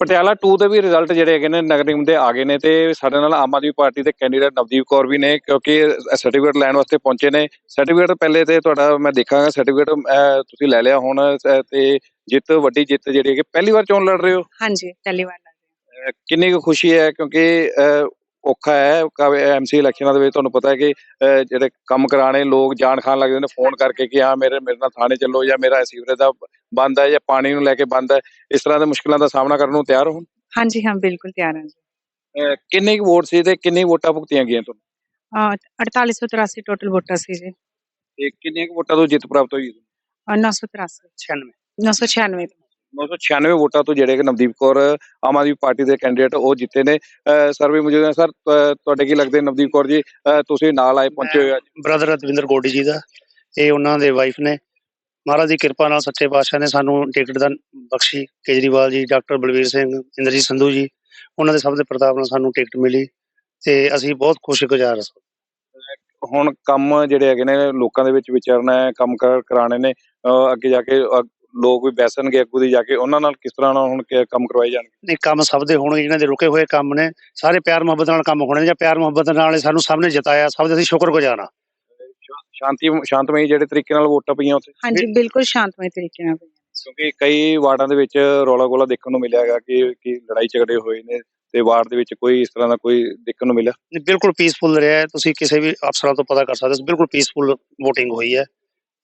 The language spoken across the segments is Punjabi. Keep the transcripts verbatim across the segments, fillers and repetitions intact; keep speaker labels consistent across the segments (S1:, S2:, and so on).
S1: ਪਟਿਆਲਾ ਟੂ ਦੇ ਵੀ ਰਿਜ਼ਲਟ ਜਿਹੜੇ ਹੈਗੇ ਨੇ ਨਗਰ ਨਿਗਮ ਦੇ ਆ ਗਏ ਨੇ ਤੇ ਸਾਡੇ ਨਾਲ ਆਮ ਆਦਮੀ ਪਾਰਟੀ ਦੇ ਕੈਂਡੀਡੇਟ ਨਵਦੀਪ ਕੌਰ ਵੀ ਨੇ ਕਿਉਂਕਿ ਸਰਟੀਫਿਕੇਟ ਲੈਣ ਵਾਸਤੇ ਪਹੁੰਚੇ ਨੇ। ਸਰਟੀਫਿਕੇਟ ਪਹਿਲੇ ਤੇ ਤੁਹਾਡਾ ਮੈਂ ਦੇਖਾਂਗਾ ਸਰਟੀਫਿਕੇਟ ਤੁਸੀਂ ਲੈ ਲਿਆ ਹੁਣ ਅਹ ਤੇ ਜਿੱਤ ਵੱਡੀ ਜਿੱਤ ਜਿਹੜੀ ਹੈਗੀ ਪਹਿਲੀ ਵਾਰ ਚੋਣ ਲੜ ਰਹੇ ਹੋ।
S2: ਹਾਂਜੀ ਪਹਿਲੀ ਵਾਰ ਲੱਗ ਰਹੀ
S1: ਅਹ ਕਿੰਨੀ ਕੁ ਖੁਸ਼ੀ ਹੈ ਕਿਉਂਕਿ ਅਹ ਔਖਾ ਹੈ ਐਮਸੀ ਇਲੈਕਸ਼ਨਾਂ ਦੇ ਵਿੱਚ ਤੁਹਾਨੂੰ ਪਤਾ ਹੈ ਕਿ ਅਹ ਜਿਹੜੇ ਕੰਮ ਕਰਾਣੇ ਲੋਕ ਜਾਣ ਖਾਣ ਲੱਗਦੇ ਨੇ ਫੋਨ ਕਰਕੇ ਕਿ ਹਾਂ ਮੇਰੇ ਮੇਰੇ ਨਾਲ ਥਾਣੇ ਚੱਲੋ ਜਾਂ ਮੇਰਾ ਸੀਵਰੇਜ ਦਾ ਬੰਦ ਹੈ ਜਾਂ ਪਾਣੀ ਨੂੰ ਲੈ ਕੇ ਬੰਦ ਹੈ। ਇਸ ਤਰ੍ਹਾਂ ਦੇ ਮੁਸ਼ਕਲਾਂ ਦਾ ਸਾਹਮਣਾ ਕਰਨ ਨੂੰ ਤਿਆਰ ਹੋ।
S2: ਹਾਂਜੀ ਹਾਂ ਬਿਲਕੁਲ ਤਿਆਰ ਹਾਂ ਜੀ।
S1: ਅਹ ਕਿੰਨੇ ਕੁ ਵੋਟ ਸੀ ਤੇ ਕਿੰਨੀ ਵੋਟਾਂ ਭੁਗਤੀਆਂ ਗਈਆਂ ਤੁਹਾਨੂੰ
S2: ਅਹ ਅੜਤਾਲੀ ਸੌ ਤਰਾਸੀ ਟੋਟਲ ਵੋਟਾਂ ਸੀ ਜੀ।
S1: ਤੇ ਕਿੰਨੀਆਂ ਕੁ ਵੋਟਾਂ ਤੋਂ ਜਿੱਤ ਪ੍ਰਾਪਤ ਹੋਈ
S2: ਅਹ ਨੌ ਸੌ ਤਰਾਸੀ
S1: ਛਿਆਨਵੇਂ
S2: ਨੌ ਸੌ ਛਿਆਨਵੇਂ
S1: ਨੌ ਸੌ ਛਿਆਨਵੇਂ ਵੋਟਾਂ ਤੋਂ ਜਿਹੜੇ ਕਿ ਨਵਦੀਪ ਕੌਰ ਆਮ ਆਦਮੀ ਪਾਰਟੀ ਦੇ ਕੈਂਡੀਡੇਟ ਉਹ ਜਿੱਤੇ ਨੇ। ਸਰਵੇ ਮੌਜੂਦ ਹੈ ਸਰ ਤੁਹਾਡੇ ਕੀ ਲੱਗਦੇ ਨਵਦੀਪ ਕੌਰ ਜੀ ਅਹ ਤੁਸੀਂ ਨਾਲ ਆਏ ਪਹੁੰਚੇ ਹੋਏ ਅੱਜ।
S3: ਬ੍ਰਦਰ ਰਤਵਿੰਦਰ ਗੋਡੀ ਜੀ ਦਾ ਇਹ ਉਹਨਾਂ ਦੇ ਵਾਈਫ ਨੇ। ਮਹਾਰਾਜ ਦੀ ਕਿਰਪਾ ਨਾਲ ਸੱਚੇ ਪਾਤਸ਼ਾਹ ਨੇ ਸਾਨੂੰ ਟਿਕਟ ਦਾ ਬਖਸ਼ੀ। ਕੇਜਰੀਵਾਲ ਜੀ, ਡਾਕਟਰ ਬਲਵੀਰ ਸਿੰਘ, ਇੰਦਰਜੀਤ ਸੰਧੂ ਜੀ ਉਹਨਾਂ ਦੇ ਸਭ ਦੇ ਪ੍ਰਤਾਪ ਨਾਲ ਸਾਨੂੰ ਟਿਕਟ ਮਿਲੀ ਤੇ ਅਸੀਂ ਬਹੁਤ ਖੁਸ਼ਗੁਜ਼ਾਰ ਹਾਂ।
S1: ਹੁਣ ਕੰਮ ਜਿਹੜੇ ਹੈਗੇ ਨੇ ਲੋਕਾਂ ਦੇ ਵਿੱਚ ਵਿਚਰਨਾ ਹੈ ਕੰਮ ਕਾਰ ਕਰਾਣੇ ਨੇ ਅਹ ਅੱਗੇ ਜਾ ਕੇ ਲੋਕ ਵੀ ਬੈਸਣਗੇ ਅੱਗੂ ਦੀ ਜਾ ਕੇ ਉਹਨਾਂ ਨਾਲ ਕਿਸ ਤਰ੍ਹਾਂ ਨਾਲ ਹੁਣ ਕੰਮ ਕਰਵਾਏ ਜਾਣਗੇ।
S3: ਨਹੀਂ ਕੰਮ ਸਭ ਦੇ ਹੋਣਗੇ ਜਿਹਨਾਂ ਦੇ ਰੁਕੇ ਹੋਏ ਕੰਮ ਨੇ ਸਾਰੇ ਪਿਆਰ ਮੁਹੱਬਤ ਨਾਲ ਕੰਮ ਹੋਣੇ ਜਾਂ ਪਿਆਰ ਮੁਹੱਬਤ ਨਾਲ ਸਾਨੂੰ ਸਭ ਨੇ ਜਿਤਾਇਆ ਸਭ ਦੇ ਅਸੀਂ ਸ਼ੁਕਰਗੁਜ਼ਾਰ ਹਾਂ।
S1: ਸ਼ਾਂਤੀ ਸ਼ਾਂਤਮਈ ਜਿਹੜੇ ਤਰੀਕੇ ਨਾਲ ਵੋਟਾਂ ਪਈਆਂ ਉੱਥੇ
S2: ਹਾਂਜੀ ਬਿਲਕੁਲ ਸ਼ਾਂਤਮਈ ਤਰੀਕੇ ਨਾਲ
S1: ਕਿਉਂਕਿ ਕਈ ਵਾਰਡਾਂ ਦੇ ਵਿੱਚ ਰੌਲਾ ਗੋਲਾ ਦੇਖਣ ਨੂੰ ਮਿਲਿਆ ਹੈਗਾ ਕਿ ਕਿ ਲੜਾਈ ਝਗੜੇ ਹੋਏ ਨੇ ਤੇ ਵਾਰਡ ਦੇ ਵਿੱਚ ਕੋਈ ਇਸ ਤਰ੍ਹਾਂ ਦਾ ਕੋਈ ਦੇਖਣ ਨੂੰ ਮਿਲਿਆ।
S3: ਬਿਲਕੁਲ ਪੀਸਫੁਲ ਰਿਹਾ ਹੈ। ਤੁਸੀਂ ਕਿਸੇ ਵੀ ਅਫਸਰਾਂ ਤੋਂ ਪਤਾ ਕਰ ਸਕਦੇ ਹੋ ਬਿਲਕੁਲ ਪੀਸਫੁਲ ਵੋਟਿੰਗ ਹੋਈ ਹੈ।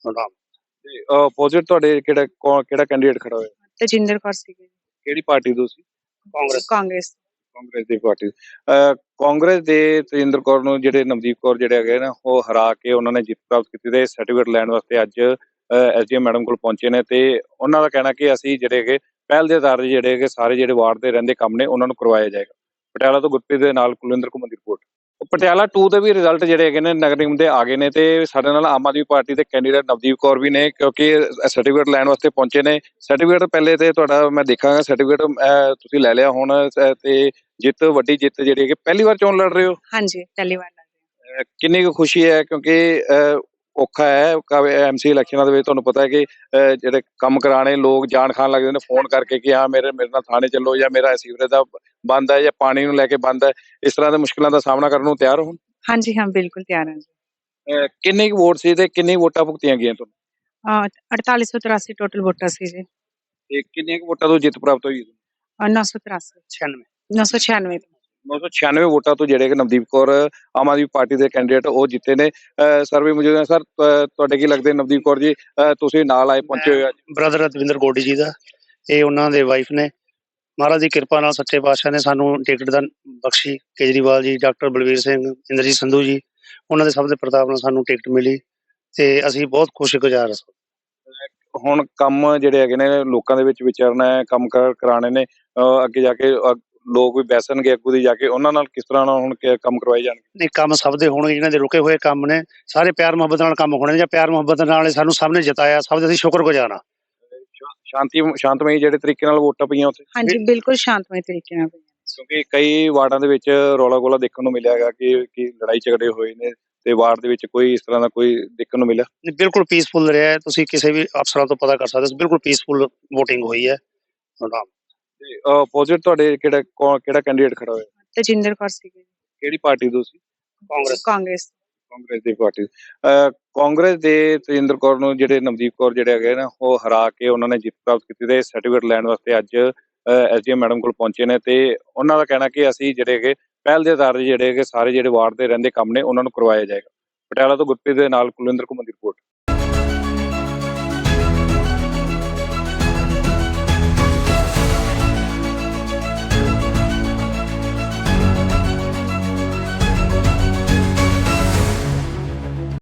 S1: ਤੇ ਆਪੋਜ਼ਿਟ ਤੁਹਾਡੇ ਕਿਹੜਾ ਕਿਹੜਾ ਕੈਂਡੀਡੇਟ ਖੜਾ ਹੋਇਆ।
S2: ਤੇਜਿੰਦਰ ਕੌਰ ਸੀ
S1: ਕਿਹੜੀ ਪਾਰਟੀ ਤੋਂ ਸੀ।
S3: ਕਾਂਗਰਸ
S2: ਕਾਂਗਰਸ
S1: ਕਾਂਗਰਸ ਦੀ ਪਾਰਟੀ ਅਹ ਕਾਂਗਰਸ ਦੇ ਤੇਜਿੰਦਰ ਕੌਰ ਨੂੰ ਜਿਹੜੇ ਨਵਦੀਪ ਕੌਰ ਜਿਹੜੇ ਹੈਗੇ ਨਾ ਉਹ ਹਰਾ ਕੇ ਉਹਨਾਂ ਨੇ ਜਿੱਤ ਪ੍ਰਾਪਤ ਕੀਤੀ ਤੇ ਸਰਟੀਫਿਕੇਟ ਲੈਣ ਵਾਸਤੇ ਅੱਜ ਐਸਡੀਐਮ ਮੈਡਮ ਕੋਲ ਪਹੁੰਚੇ ਨੇ ਤੇ ਉਹਨਾਂ ਦਾ ਕਹਿਣਾ ਕਿ ਅਸੀਂ ਜਿਹੜੇ ਹੈਗੇ ਪਹਿਲ ਦੇ ਆਧਾਰ ਤੇ ਜਿਹੜੇ ਹੈਗੇ ਸਾਰੇ ਜਿਹੜੇ ਵਾਰਡ ਦੇ ਰਹਿੰਦੇ ਕੰਮ ਨੇ ਉਹਨਾਂ ਨੂੰ ਕਰਵਾਇਆ ਜਾਏਗਾ। ਪਟਿਆਲਾ ਤੋਂ ਗੁਰਪ੍ਰੀਤ ਦੇ ਨਾਲ ਕੁਲਵਿੰਦਰ ਕੁਮਾਰ ਦੀ ਰਿਪੋਰਟ। ਪਟਿਆਲਾ ਟੂ ਦੇ ਵੀ ਰਿਜ਼ਲਟ ਜਿਹੜੇ ਹੈਗੇ ਨੇ ਨਗਰ ਨਿਗਮ ਦੇ ਆ ਗਏ ਨੇ ਤੇ ਸਾਡੇ ਨਾਲ ਆਮ ਆਦਮੀ ਪਾਰਟੀ ਦੇ ਕੈਂਡੀਡੇਟ ਨਵਦੀਪ ਕੌਰ ਵੀ ਨੇ ਕਿਉਂਕਿ ਸਰਟੀਫਿਕੇਟ ਲੈਣ ਵਾਸਤੇ ਪਹੁੰਚੇ ਨੇ। ਸਰਟੀਫਿਕੇਟ ਪਹਿਲੇ ਤੇ ਤੁਹਾਡਾ ਮੈਂ ਦੇਖਾਂਗਾ ਸਰਟੀਫਿਕੇਟ ਤੁਸੀਂ ਲੈ ਲਿਆ ਹੁਣ ਤੇ ਜਿੱਤ ਵੱਡੀ ਜਿੱਤ ਜਿਹੜੀ ਹੈਗੀ ਪਹਿਲੀ ਵਾਰ ਚੋਣ ਲੜ ਰਹੇ ਹੋ।
S2: ਹਾਂਜੀ ਪਹਿਲੀ ਵਾਰ ਲੱਗ ਰਹੀ
S1: ਕਿੰਨੀ ਕੁ ਖੁਸ਼ੀ ਹੈ ਕਿਉਂਕਿ ਅਹ ਔਖਾ ਹੈ ਐਮਸੀ ਇਲੈਕਸ਼ਨਾਂ ਦੇ ਵਿੱਚ ਤੁਹਾਨੂੰ ਪਤਾ ਹੈ ਕਿ ਜਿਹੜੇ ਕੰਮ ਕਰਾਣੇ ਲੋਕ ਜਾਣ ਖਾਣ ਲੱਗਦੇ ਨੇ ਫੋਨ ਕਰਕੇ ਕਿ ਹਾਂ ਮੇਰੇ ਮੇਰੇ ਨਾਲ ਥਾਣੇ ਚੱਲੋ ਜਾਂ ਮੇਰਾ ਸੀਵਰੇਜ ਦਾ ਬੰਦ ਹੈ ਜਾਂ ਪਾਣੀ ਨੂੰ ਲੈ ਕੇ ਬੰਦ ਹੈ। ਇਸ ਤਰ੍ਹਾਂ ਦੇ ਮੁਸ਼ਕਲਾਂ ਦਾ ਸਾਹਮਣਾ ਕਰਨ ਨੂੰ ਤਿਆਰ ਹੋ।
S2: ਹਾਂਜੀ ਹਾਂ ਬਿਲਕੁਲ ਤਿਆਰ ਹਾਂ ਜੀ।
S1: ਕਿੰਨੀ ਕੁ ਵੋਟ ਸੀ ਤੇ ਕਿੰਨੀ ਵੋਟਾਂ ਭੁਗਤੀਆਂ ਗਈਆਂ ਤੁਹਾਨੂੰ
S2: ਅਹ ਅੜਤਾਲੀ ਸੌ ਤਰਾਸੀ ਟੋਟਲ ਵੋਟਾਂ ਸੀ ਜੀ।
S1: ਤੇ ਕਿੰਨੀਆਂ ਕੁ ਵੋਟਾਂ ਤੋਂ ਜਿੱਤ ਪ੍ਰਾਪਤ ਹੋਈ
S2: ਅਹ ਨੌ ਸੌ ਤਰਾਸੀ
S3: ਛਿਆਨਵੇਂ
S2: ਨੌ ਸੌ ਛਿਆਨਵੇਂ
S1: ਨੌ ਸੌ ਛਿਆਨਵੇਂ ਵੋਟਾਂ ਤੋਂ ਜਿਹੜੇ ਕਿ ਨਵਦੀਪ ਕੌਰ ਆਮ ਆਦਮੀ ਪਾਰਟੀ ਦੇ ਕੈਂਡੀਡੇਟ ਉਹ ਜਿੱਤੇ ਨੇ। ਸਰਵੇ ਮੌਜੂਦ ਹੈ ਸਰ ਤੁਹਾਡੇ ਕੀ ਲੱਗਦੇ ਨਵਦੀਪ ਕੌਰ ਜੀ ਤੁਸੀਂ ਨਾਲ ਆਏ ਪਹੁੰਚੇ ਹੋਏ ਅੱਜ।
S3: ਬ੍ਰਦਰ ਰਤਵਿੰਦਰ ਗੋਡੀ ਜੀ ਦਾ ਇਹ ਉਹਨਾਂ ਦੇ ਵਾਈਫ ਨੇ। ਮਹਾਰਾਜ ਦੀ ਕਿਰਪਾ ਨਾਲ ਸੱਚੇ ਪਾਤਸ਼ਾਹ ਨੇ ਸਾਨੂੰ ਟਿਕਟ ਦਾ ਬਖਸ਼ੀ। ਕੇਜਰੀਵਾਲ ਜੀ, ਡਾਕਟਰ ਬਲਵੀਰ ਸਿੰਘ, ਇੰਦਰਜੀਤ ਸੰਧੂ ਜੀ ਉਹਨਾਂ ਦੇ ਸਭ ਦੇ ਪ੍ਰਤਾਪ ਨਾਲ ਸਾਨੂੰ ਟਿਕਟ ਮਿਲੀ ਤੇ ਅਸੀਂ ਬਹੁਤ ਖੁਸ਼ਗੁਜ਼ਾਰ ਹਾਂ।
S1: ਹੁਣ ਕੰਮ ਜਿਹੜੇ ਹੈਗੇ ਨੇ ਲੋਕਾਂ ਦੇ ਵਿੱਚ ਵਿਚਰਨਾ ਹੈ ਕੰਮ ਕਾਰ ਕਰਾਣੇ ਨੇ ਅੱਗੇ ਜਾ ਕੇ ਲੋਕ ਵੀ ਬੈਸਣਗੇ ਅੱਗੂ ਦੀ ਜਾ ਕੇ ਉਹਨਾਂ ਨਾਲ ਕਿਸ ਤਰ੍ਹਾਂ ਨਾਲ ਹੁਣ ਕੰਮ ਕਰਵਾਏ ਜਾਣਗੇ।
S3: ਨਹੀਂ ਕੰਮ ਸਭ ਦੇ ਹੋਣਗੇ ਜਿਹਨਾਂ ਦੇ ਰੁਕੇ ਹੋਏ ਕੰਮ ਨੇ ਸਾਰੇ ਪਿਆਰ ਮੁਹੱਬਤ ਨਾਲ ਕੰਮ ਹੋਣੇ ਜਾਂ ਪਿਆਰ ਮੁਹੱਬਤ ਨਾਲ ਸਾਨੂੰ ਸਭ ਨੇ ਜਿਤਾਇਆ ਸਭ ਦੇ ਅਸੀਂ ਸ਼ੁਕਰਗੁਜ਼ਾਰ ਹਾਂ।
S1: ਸ਼ਾਂਤੀ ਸ਼ਾਂਤਮਈ ਜਿਹੜੇ ਤਰੀਕੇ ਨਾਲ ਵੋਟਾਂ ਪਈਆਂ ਉੱਥੇ
S2: ਹਾਂਜੀ ਬਿਲਕੁਲ ਸ਼ਾਂਤਮਈ ਤਰੀਕੇ ਨਾਲ
S1: ਕਿਉਂਕਿ ਕਈ ਵਾਰਡਾਂ ਦੇ ਵਿੱਚ ਰੌਲਾ ਗੋਲਾ ਦੇਖਣ ਨੂੰ ਮਿਲਿਆ ਹੈਗਾ ਕਿ ਕਿ ਲੜਾਈ ਝਗੜੇ ਹੋਏ ਨੇ ਤੇ ਵਾਰਡ ਦੇ ਵਿੱਚ ਕੋਈ ਇਸ ਤਰ੍ਹਾਂ ਦਾ ਕੋਈ ਦੇਖਣ ਨੂੰ ਮਿਲਿਆ।
S3: ਬਿਲਕੁਲ ਪੀਸਫੁਲ ਰਿਹਾ ਹੈ। ਤੁਸੀਂ ਕਿਸੇ ਵੀ ਅਫਸਰਾਂ ਤੋਂ ਪਤਾ ਕਰ ਸਕਦੇ ਹੋ ਬਿਲਕੁਲ ਪੀਸਫੁਲ ਵੋਟਿੰਗ ਹੋਈ ਹੈ।
S1: ਤੇ ਆਪੋਜ਼ਿਟ ਤੁਹਾਡੇ ਕਿਹੜਾ ਕਿਹੜਾ ਕੈਂਡੀਡੇਟ ਖੜਾ ਹੋਇਆ।
S2: ਤੇਜਿੰਦਰ ਕੌਰ ਸੀ
S1: ਕਿਹੜੀ ਪਾਰਟੀ ਤੋਂ ਸੀ।
S3: ਕਾਂਗਰਸ
S2: ਕਾਂਗਰਸ
S1: ਕਾਂਗਰਸ ਦੀ ਪਾਰਟੀ ਅਹ ਕਾਂਗਰਸ ਦੇ ਤੇਜਿੰਦਰ ਕੌਰ ਨੂੰ ਜਿਹੜੇ ਨਵਦੀਪ ਕੌਰ ਜਿਹੜੇ ਹੈਗੇ ਨਾ ਉਹ ਹਰਾ ਕੇ ਉਹਨਾਂ ਨੇ ਜਿੱਤ ਪ੍ਰਾਪਤ ਕੀਤੀ ਤੇ ਸਰਟੀਫਿਕੇਟ ਲੈਣ ਵਾਸਤੇ ਅੱਜ ਐਸਡੀਐਮ ਮੈਡਮ ਕੋਲ ਪਹੁੰਚੇ ਨੇ ਤੇ ਉਹਨਾਂ ਦਾ ਕਹਿਣਾ ਕਿ ਅਸੀਂ ਜਿਹੜੇ ਹੈਗੇ ਪਹਿਲ ਦੇ ਆਧਾਰ ਤੇ ਜਿਹੜੇ ਹੈਗੇ ਸਾਰੇ ਜਿਹੜੇ ਵਾਰਡ ਦੇ ਰਹਿੰਦੇ ਕੰਮ ਨੇ ਉਹਨਾਂ ਨੂੰ ਕਰਵਾਇਆ ਜਾਏਗਾ। ਪਟਿਆਲਾ ਤੋਂ ਗੁਰਪ੍ਰੀਤ ਦੇ ਨਾਲ ਕੁਲਵਿੰਦਰ ਕੁਮਾਰ ਦੀ ਰਿਪੋਰਟ।